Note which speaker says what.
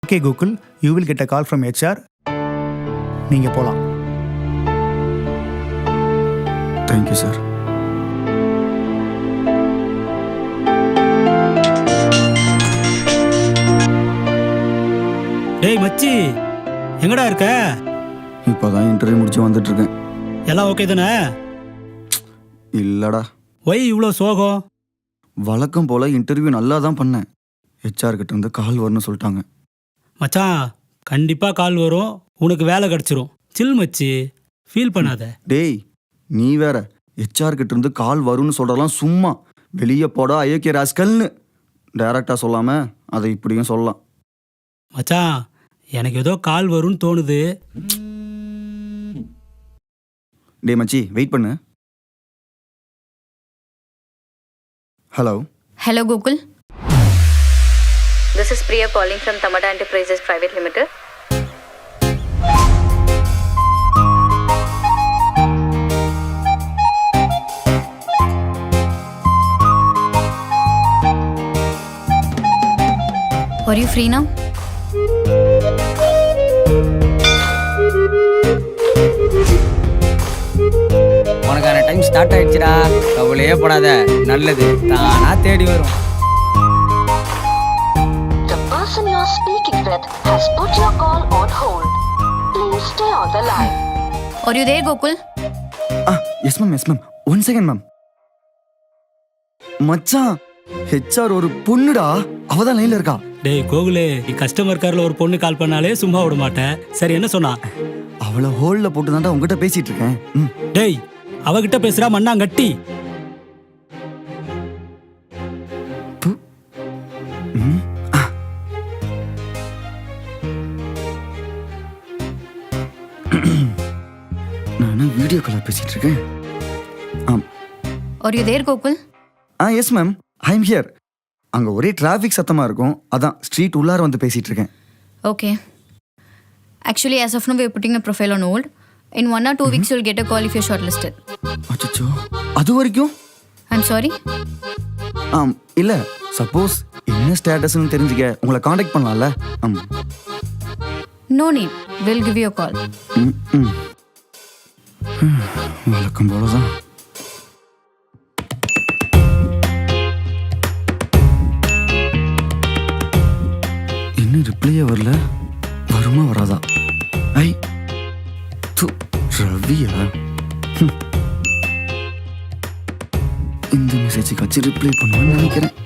Speaker 1: Okay Gokul, you will get a call from HR. நீங்கள் போகலாம்.
Speaker 2: Thank you sir.
Speaker 3: டேய் மச்சி, எங்கடா இருக்க?
Speaker 2: இப்போதான் இன்டர்வியூ முடிச்சு வந்துட்டு இருக்கேன்.
Speaker 3: எல்லாம் ஓகே தானே?
Speaker 2: இல்லடா,
Speaker 3: ஒய் இவ்வளோ சோகம்?
Speaker 2: வழக்கம் போல இன்டர்வியூ நல்லா தான் பண்ணேன். HR கிட்ட இருந்து கால் வரும்னு சொல்லிட்டாங்க.
Speaker 3: மச்சான், கண்டிப்பாக கால் வரும், உனக்கு வேலை கிடச்சிரும். சில் மச்சி, ஃபீல் பண்ணாத.
Speaker 2: டேய் நீ வேற, HR கிட்ட இருந்து கால் வரும்னு சொல்றதெல்லாம் சும்மா வெளியே போடா ஐயோக்கிய ராஸ்கல்னு டைரக்டா சொல்லாம அதை இப்படியும் சொல்லலாம்.
Speaker 3: மச்சான், எனக்கு ஏதோ கால் வரும்னு தோணுது.
Speaker 2: டே மச்சி, வெயிட் பண்ணு. Hello.
Speaker 4: Hello, Gokul. This is Priya calling from Tamada Enterprises Private Limited. Are you free now?
Speaker 5: உனக்கான டைம் ஸ்டார்ட் ஆயிடுச்சுடா, கவலையே படாத, நல்லது தானா தேடி வரும்.
Speaker 6: The person you are speaking with has put your call on hold. Please stay on the line.
Speaker 4: Are you there, Gokul?
Speaker 2: Yes ma'am, yes ma'am. 1 second ma'am. மச்சான், HR ஒரு பொண்ணுடா, அவதான் லைன்ல இருக்கா.
Speaker 3: டேய் கோகுலே, நீ கஸ்டமர் கேரில் ஒரு பொண்ணு கால் பண்ணாலே சும்மா விட மாட்டேன். சரி, என்ன சொன்னா?
Speaker 2: அவளை ஹோல்ல போட்டு தான்டா உங்ககிட்ட பேசிட்டு இருக்கேன்.
Speaker 3: டேய், அவகிட்ட பேசுறா மண்ணாங்கட்டி.
Speaker 2: நான் வீடியோ கால் பேசிட்டு இருக்கேன்.
Speaker 4: Are you there, Gokul?
Speaker 2: Yes ma'am, I am here. அங்க ஒரே டிராஃபிக் சத்தமா இருக்கும், அதான் ஸ்ட்ரீட் உள்ளார வந்து பேசிட்டு இருக்கேன்.
Speaker 4: Okay. Actually, as of now, we are putting a profile on hold. In 1 or 2 weeks, you'll get a call if you're shortlisted.
Speaker 2: அச்சோ, அது வரைக்கும்?
Speaker 4: I'm sorry.
Speaker 2: இல்ல, சப்போஸ் என்ன ஸ்டேட்டஸ்னு தெரிஞ்சுக்க உங்களை காண்டாக்ட் பண்ணலாம்ல.
Speaker 4: No need. We'll give you a call.
Speaker 2: வழக்கம் போலதான். இன்னும் ரிப்ளையே வரல, வருமா வராதா? ஐ து ரவியா, இந்த மெசேஜுக்கு வச்சு ரிப்ளை பண்ணுவேன்னு நினைக்கிறேன்.